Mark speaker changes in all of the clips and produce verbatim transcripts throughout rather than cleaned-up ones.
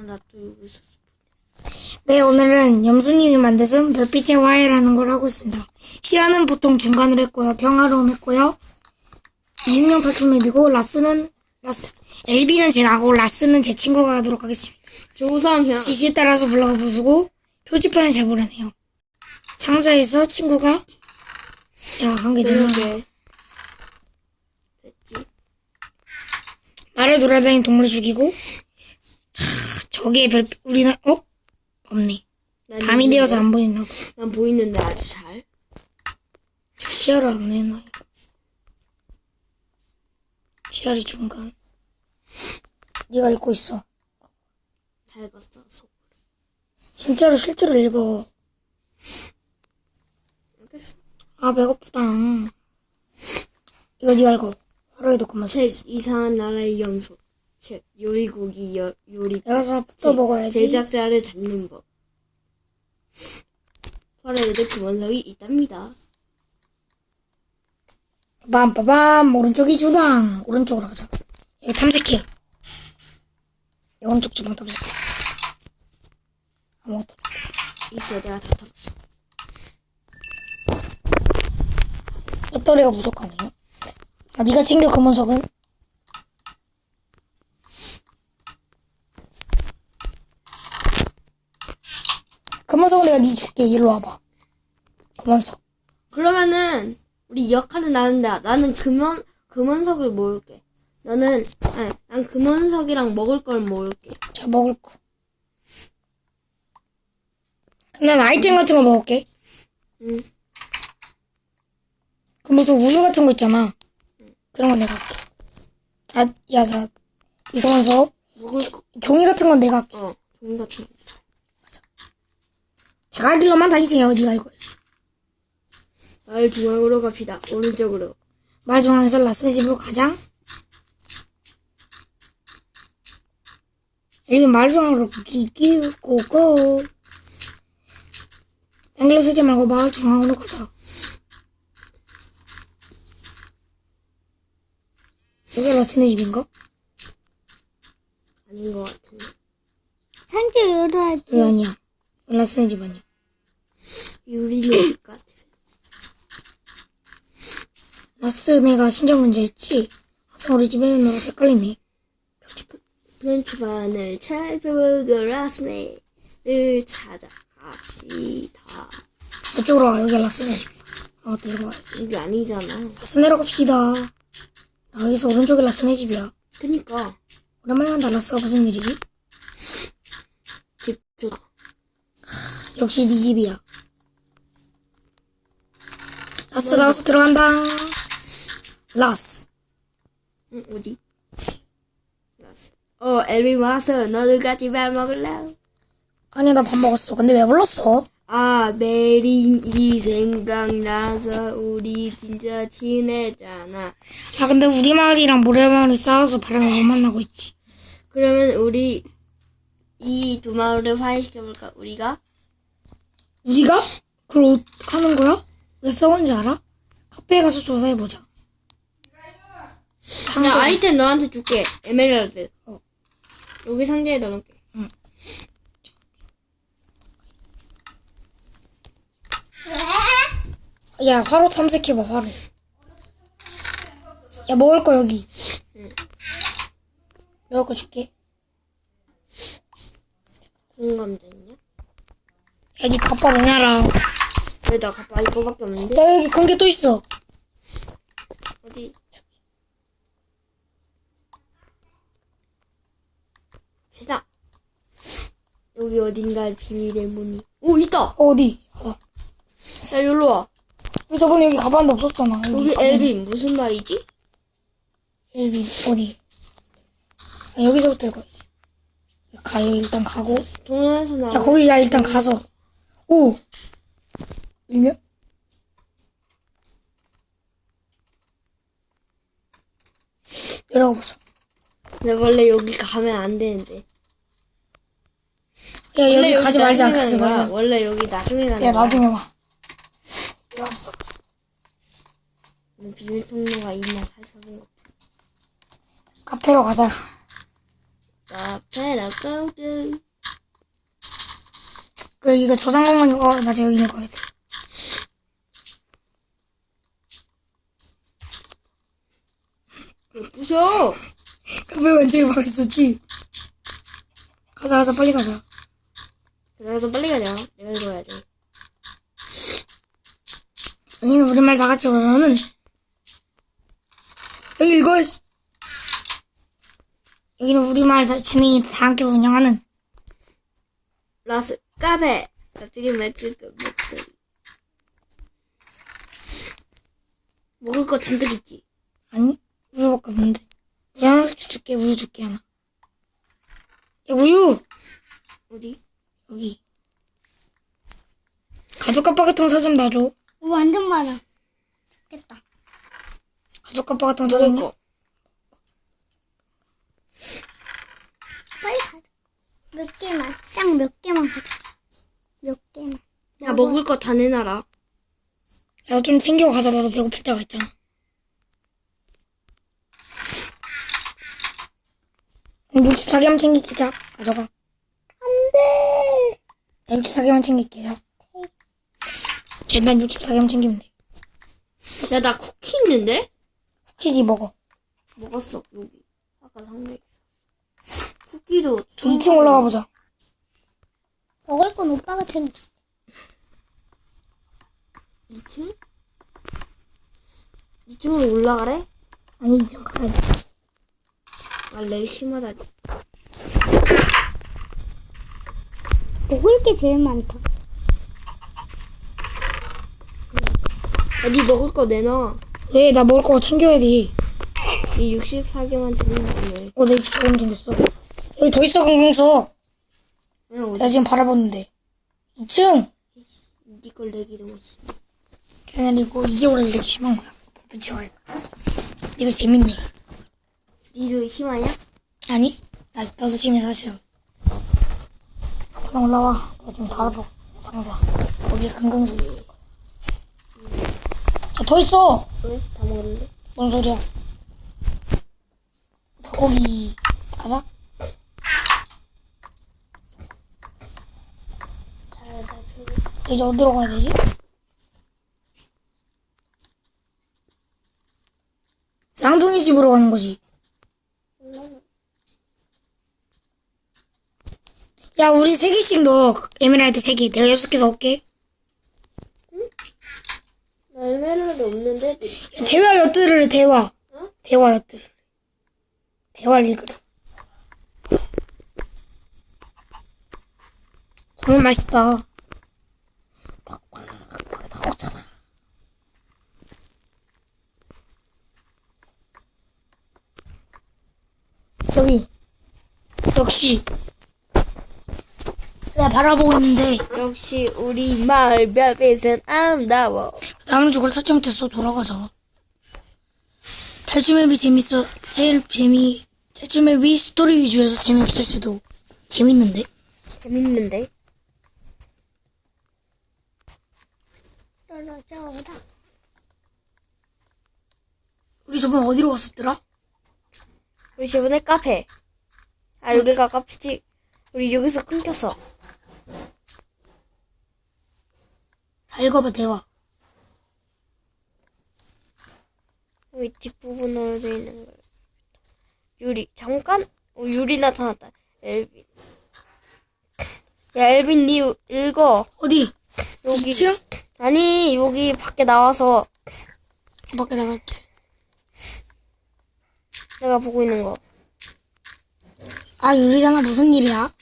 Speaker 1: 나 또 여기서.
Speaker 2: 네, 오늘은 염수님이 만드신 별빛의 화해라는 걸 하고 있습니다. 시야는 보통 중간으로 했고요. 평화로움 했고요. 이육년 팔십맵이고 라스는 라스 엘비는 제가 하고 라스는 제 친구가 하도록 하겠습니다.
Speaker 1: 저 우선 그냥
Speaker 2: 지시에 따라서 불러가 부수고 표지판을 잘 보라네요. 상자에서 친구가 야, 한 개 되나?
Speaker 1: 이렇게 됐지.
Speaker 2: 말을 돌아다니는 동물을 죽이고 자, 저기에 별 우리는 어? 없네.
Speaker 1: 난
Speaker 2: 밤이
Speaker 1: 있는데?
Speaker 2: 되어서 안 보이나 봐.
Speaker 1: 난 보이는데 아주 잘.
Speaker 2: 시야를 안 해놔. 시야를 중간. 네가 읽고 있어.
Speaker 1: 잘 봤어. 속.
Speaker 2: 진짜로 실제로 읽어.
Speaker 1: 알겠어.
Speaker 2: 아 배고프다. 이거 네가 읽어. 하루에도 그만 써.
Speaker 1: 책 이상한 나라의 염소. 책 요리고기 여, 요리.
Speaker 2: 알아서 붙어 먹어야지.
Speaker 1: 제작자를 잡는 법. 화려에도 기본석이 있답니다.
Speaker 2: 빰빠밤 오른쪽이 주방. 오른쪽으로 가자. 여기 탐색해. 오른쪽 주방 탐색해. 아무것도 없어.
Speaker 1: 있어, 내가 다 털었어.
Speaker 2: 배터리가 부족하네요. 아 네가 챙겨 금원석은? 금원석은 내가 네 줄게. 일로 와봐. 금원석.
Speaker 1: 그러면은 우리 역할은 나는데 나는 금원 금원석을 모을게. 너는 아니, 난 금원석이랑 먹을 걸 모을게.
Speaker 2: 자 먹을 거. 그럼 난 아이템 같은 거 먹을게.
Speaker 1: 응.
Speaker 2: 그 무슨 우유 같은 거 있잖아. 그런 거 내가 할게. 아, 야, 자, 이거면서
Speaker 1: 먹을 거.
Speaker 2: 종이 같은 건 내가 할게.
Speaker 1: 어, 종이 같은 거.
Speaker 2: 제가 할 길로만 다니세요. 네가 읽어야지.
Speaker 1: 마을 중앙으로 갑시다. 오른쪽으로.
Speaker 2: 말 중앙에서 라스네 집으로 가장. 아니면 말 중앙으로 기기고고. 땡글로 쓰지 말고 마을 중앙으로 가자. 여기 라스네 집인가?
Speaker 1: 아닌 것 같은데.
Speaker 3: 상자 열어야지.
Speaker 2: 여기 아니야. 여기 라스네 집 아니야.
Speaker 1: 유리네 집 같아.
Speaker 2: 라스네가 신장 문제였지? 항상 우리 집에 있는 노라 헷갈리네.
Speaker 1: 프렌치반을 살펴보고 라스네를 찾아갑시다.
Speaker 2: 이쪽으로 와. 여기 라스네 집이야. 아, 맞다. 이리 와야지.
Speaker 1: 이게 아니잖아.
Speaker 2: 라스네로 갑시다. 여기서 오른쪽에 라스네 집이야.
Speaker 1: 그니까
Speaker 2: 오랜만에 간다. 라스가 무슨 일이지?
Speaker 1: 집 좋다.
Speaker 2: 역시 네 집이야. 라스 라스 들어간다. 라스.
Speaker 1: 응, 어디? 라스. 어, 엘비 왔어. 너도 같이 밥 먹을래?
Speaker 2: 아니 나 밥 먹었어. 근데 왜 불렀어?
Speaker 1: 아, 메린이 생각나서 우리 진짜 친했잖아.
Speaker 2: 아 근데 우리 마을이랑 모래마을이 싸워서 바람을 못 만나고 있지.
Speaker 1: 그러면 우리 이 두 마을을 화해시켜볼까? 우리가?
Speaker 2: 우리가? 그걸 어- 하는 거야? 왜 싸운지 알아? 카페에 가서 조사해보자.
Speaker 1: 나 아이템 너한테 줄게. 에메랄드.
Speaker 2: 어.
Speaker 1: 여기 상자에 넣어놓을게.
Speaker 2: 야 화로 탐색해봐. 화로. 야 먹을 거 여기.
Speaker 1: 응.
Speaker 2: 먹을 거 줄게.
Speaker 1: 무슨 감자 있냐?
Speaker 2: 야 니 가빠 뭐냐라.
Speaker 1: 왜 나 가빠 이거밖에 없는데?
Speaker 2: 야 여기 큰 게 또 있어.
Speaker 1: 어디? 시다. 여기 어딘가에 비밀의 문이. 오, 있다!
Speaker 2: 어, 어디? 가자.
Speaker 1: 야, 여기로 와.
Speaker 2: 우리 저번에 여기 가봤는데 없었잖아.
Speaker 1: 여기
Speaker 2: 가자.
Speaker 1: 엘빈 무슨 말이지?
Speaker 2: 엘빈 어디? 아, 여기서부터 읽어야지. 가 여기 일단 가고.
Speaker 1: 동영에서 나와.
Speaker 2: 야 거기 야 일단 가서. 오. 일명? 열어보자.
Speaker 1: 근데 원래 여기 가면 안 되는데.
Speaker 2: 야
Speaker 1: 원래
Speaker 2: 여기 가지 말자.
Speaker 1: 나중에
Speaker 2: 가지
Speaker 1: 가는 거야.
Speaker 2: 말자.
Speaker 1: 원래 여기 나중에 가는
Speaker 2: 야
Speaker 1: 거야.
Speaker 2: 나중에 와. 왔어.
Speaker 1: 비밀 통로가 있나 살펴본 거.
Speaker 2: 카페로 가자.
Speaker 1: 카페라 고고.
Speaker 2: 그 이거 저장 공간이 어 맞아 여기 읽어야 돼.
Speaker 1: 왜 부셔?
Speaker 2: 카페 완전히 바로 있었지. 가자 가자 빨리 가자.
Speaker 1: 내가 좀 빨리 가자. 내가 읽어야 돼.
Speaker 2: 여기는 우리말 다 같이 읽어. 너는 여기 읽어. 여기는 우리말 다- 주민이 다 함께 운영하는
Speaker 1: 라스 카페. 갑자기 맥그 목소리. 먹을 거 잔뜩 있지.
Speaker 2: 아니 우유밖에 없는데. 우유 하나씩 줄게. 우유 줄게 하나. 야 우유
Speaker 1: 어디?
Speaker 2: 여기. 가죽 깜빡 같은 거 사 좀 놔줘.
Speaker 3: 오, 완전 많아. 좋겠다.
Speaker 2: 가죽 깜빡 같은 거 사
Speaker 1: 먹을
Speaker 2: 좀.
Speaker 1: 거.
Speaker 3: 빨리 가자. 몇 개만. 짱 몇 개만 가자. 몇 개만.
Speaker 1: 야 먹을 거 다 내놔라.
Speaker 2: 야 좀 챙겨 가자. 나도 배고플 때가 있잖아. 육십사 개만 챙길게. 자 가져가.
Speaker 3: 안 돼.
Speaker 2: 육십사 개만 챙길게. 자. 일단 육십사 개만 챙기면 돼.
Speaker 1: 야 나 쿠키 있는데?
Speaker 2: 쿠키지 먹어.
Speaker 1: 먹었어 여기. 아까 상자에 있어. 쿠키도
Speaker 2: 이 층 올라가 보자.
Speaker 3: 먹을 건 오빠가 챙겨.
Speaker 1: 이 층? 이 층으로 올라가래?
Speaker 2: 아니 이 층 가야 돼.
Speaker 1: 아 렉 심하다.
Speaker 3: 먹을 게 제일 많다.
Speaker 1: 야, 니 먹을 거 내놔.
Speaker 2: 왜? 나 먹을 거 챙겨야 돼.
Speaker 1: 니 육십사 개만 챙기면 돼.
Speaker 2: 어, 내 육십사 개만 챙겼어. 여기 더 있어, 강강서.
Speaker 1: 야, 어디?
Speaker 2: 나 지금 바라보는데. 이 층!
Speaker 1: 니걸 내기 좀 하시.
Speaker 2: 걔네리고 이게 원래 이렇게 심한 거야. 빛이 와. 이거 재밌네.
Speaker 1: 니도 심하냐?
Speaker 2: 아니? 나, 나도 지금 사실. 그냥 올라와. 내가 지금 바라보고 있는 상자. 거기에 강강서 있어. 야, 더 있어!
Speaker 1: 왜? 다 먹었는데?
Speaker 2: 뭔 소리야? 닭고기 가자.
Speaker 1: 잘 살펴.
Speaker 2: 이제 어디로 가야 되지? 쌍둥이 집으로 가는 거지. 야, 우리 세 개씩 넣어. 에메랄드 세 개. 내가 여섯 개 넣을게.
Speaker 1: 나 에메랄드 없는데?
Speaker 2: 야, 대화 엿들으래, 대화.
Speaker 1: 어?
Speaker 2: 대화 엿들. 대화를 읽으래. 정말 맛있다. 나오잖아. 여기. 역시. 내가 바라보고 있는데.
Speaker 1: 역시 우리 마을 별빛은 아름다워.
Speaker 2: 나무는 저걸 찾지 못했어. 돌아가자. 탈출맵이 재밌어. 제일 재미, 탈출맵이 스토리 위주여서 재미없을 수도. 재밌는데?
Speaker 1: 재밌는데?
Speaker 3: 떨어져라.
Speaker 2: 우리 저번 어디로 갔었더라?
Speaker 1: 우리 저번에 카페. 아, 여기가 카페지. 우리 여기서 끊겼어.
Speaker 2: 다 읽어봐, 대화.
Speaker 1: 여기 뒷부분으로 되어 있는 거. 유리. 잠깐? 어, 유리 나타났다. 엘빈. 야, 엘빈, 니 읽어.
Speaker 2: 어디?
Speaker 1: 여기.
Speaker 2: 이 층?
Speaker 1: 아니, 여기 밖에 나와서
Speaker 2: 밖에 나갈게.
Speaker 1: 내가 보고 있는 거.
Speaker 2: 아, 유리잖아. 무슨 일이야?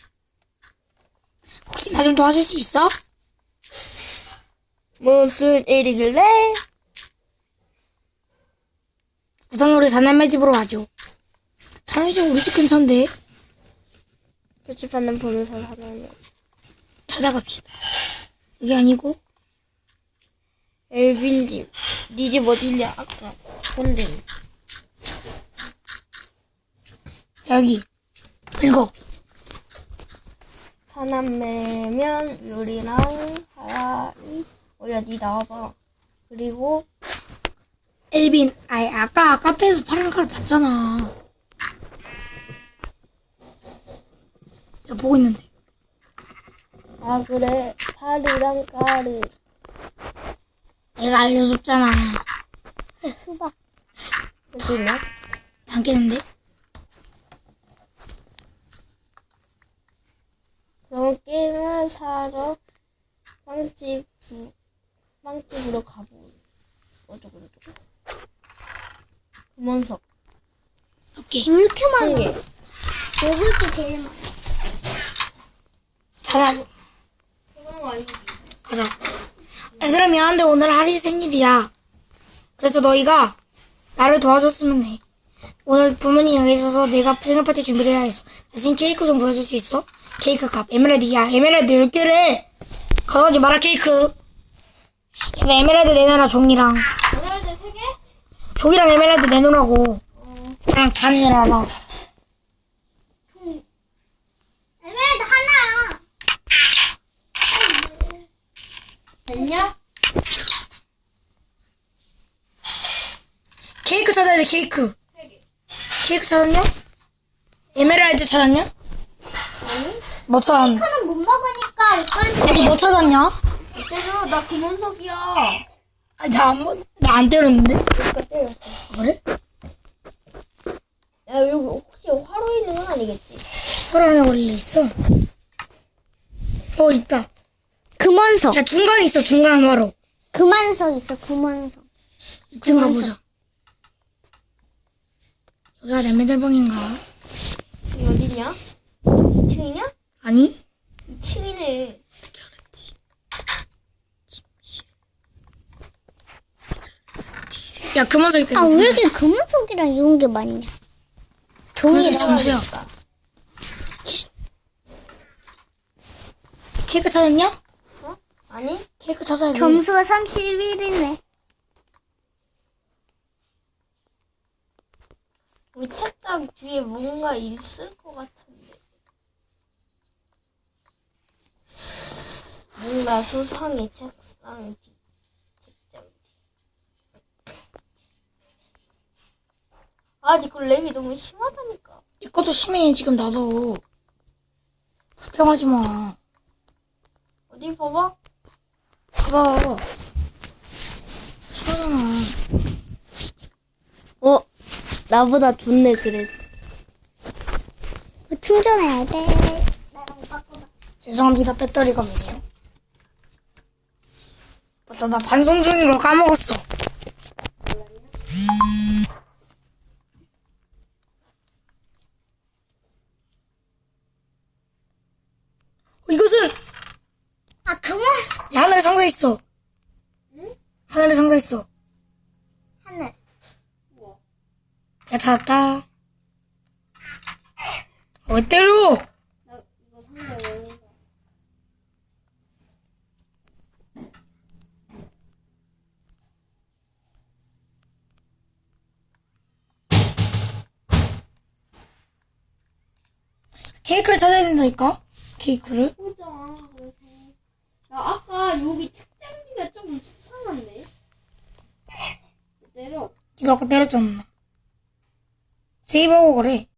Speaker 2: 혹시 나 좀 도와줄 수 있어?
Speaker 1: 무슨 일이길래?
Speaker 2: 우선 우리 사남매 집으로 와줘. 사남매 집 우리 집 근처인데.
Speaker 1: 교집하는 보면서 하는
Speaker 2: 찾아갑시다. 여기 아니고.
Speaker 1: 엘빈 집. 니 집 어디냐? 아까 본데.
Speaker 2: 여기. 읽어.
Speaker 1: 사남매면 유리랑 하라리. 어야 니 나와봐. 그리고
Speaker 2: 엘빈. 아이, 아까 카페에서 파란 칼 봤잖아. 내가 보고 있는데.
Speaker 1: 아 그래 파리랑 까르.
Speaker 2: 내가 알려줬잖아.
Speaker 3: 수박.
Speaker 1: 여기 있나?
Speaker 2: 안 깨는데?
Speaker 1: 그럼 게임을 사러 빵집 빵집으로 가보. 어쩌고 저쩌고. 금원석
Speaker 2: 오케이.
Speaker 3: 왜 이렇게
Speaker 1: 한
Speaker 3: 많아?
Speaker 1: 개.
Speaker 3: 먹을 게 제일 많아.
Speaker 2: 찾아.
Speaker 1: 그건 아니지.
Speaker 2: 가자. 얘들아 미안한데 오늘 하리 생일이야. 그래서 너희가 나를 도와줬으면 해. 오늘 부모님 여기 있어서 내가 생일 파티 준비를 해야 해서 대신 케이크 좀 구해줄 수 있어? 케이크 값 에메랄드야. 에메랄드 열 개래. 가져가지 마라 케이크. 야, 나 에메랄드 내놔라 종이랑.
Speaker 1: 에메랄드 세 개?
Speaker 2: 종이랑 에메랄드 내놓으라고. 그냥 다 내놔라.
Speaker 3: 에메랄드 하나.
Speaker 1: 됐냐?
Speaker 2: 케이크 찾아야 돼 케이크.
Speaker 1: 세 개.
Speaker 2: 케이크 찾았냐? 에메랄드 찾았냐?
Speaker 1: 아니?
Speaker 2: 뭐 찾았냐?
Speaker 3: 이거는 못 먹으니까 이건
Speaker 2: 아니 뭐 찾았냐?
Speaker 1: 때려 나 금원석이야.
Speaker 2: 아니 나안나안 때렸는데?
Speaker 1: 여기가 때렸어.
Speaker 2: 그래?
Speaker 1: 야 여기 혹시 화로 있는 건 아니겠지?
Speaker 2: 서로 안에 원래 있어. 어 있다.
Speaker 3: 금원석.
Speaker 2: 야 중간에 있어 중간 바로.
Speaker 3: 금원석 있어. 금원석.
Speaker 2: 이층 가보자. 여기가 내 메달방인가?
Speaker 1: 여기 어디냐? 이 층이냐?
Speaker 2: 아니?
Speaker 1: 이 층이네.
Speaker 2: 어떻게 알았지? 야 그만 있다.
Speaker 3: 아, 왜 이렇게 금원석이랑 이런 게 많냐?
Speaker 2: 그만서
Speaker 3: 종이랑.
Speaker 2: 점수야. 케이크 찾았냐?
Speaker 1: 어? 아니?
Speaker 2: 케이크 찾아야 돼.
Speaker 3: 점수가 삼십일이네.
Speaker 1: 우리 책장 뒤에 뭔가 있을 것 같은데. 뭔가 수상해 책상 뒤. 책장 뒤. 아, 니그 렉이 너무 심하다니까.
Speaker 2: 이것도 심해 지금 나도. 불평하지 마.
Speaker 1: 어디 봐봐.
Speaker 2: 봐봐. 심하잖아.
Speaker 1: 어, 나보다 좋네 그래도.
Speaker 3: 충전해야 돼. 나랑 바꿔봐.
Speaker 2: 죄송합니다. 배터리가 없네요. 맞다, 나 반송 중인 걸 까먹었어. 어, 이것은
Speaker 3: 아, 금원석.
Speaker 2: 야, 하늘에 상자 있어.
Speaker 1: 응?
Speaker 2: 하늘에 상자 있어.
Speaker 3: 하늘.
Speaker 1: 뭐?
Speaker 2: 야, 찾았다. 어, 왜 때려?
Speaker 1: 나 이거 상자 열는 거.
Speaker 2: 케이크를 찾아야 된다니까? 케이크를?
Speaker 1: 보자. 그래서. 야, 아까 여기 책장기가 좀 수상한데? 때려.
Speaker 2: 네가 아까 때렸잖아. 세이브하고 그래.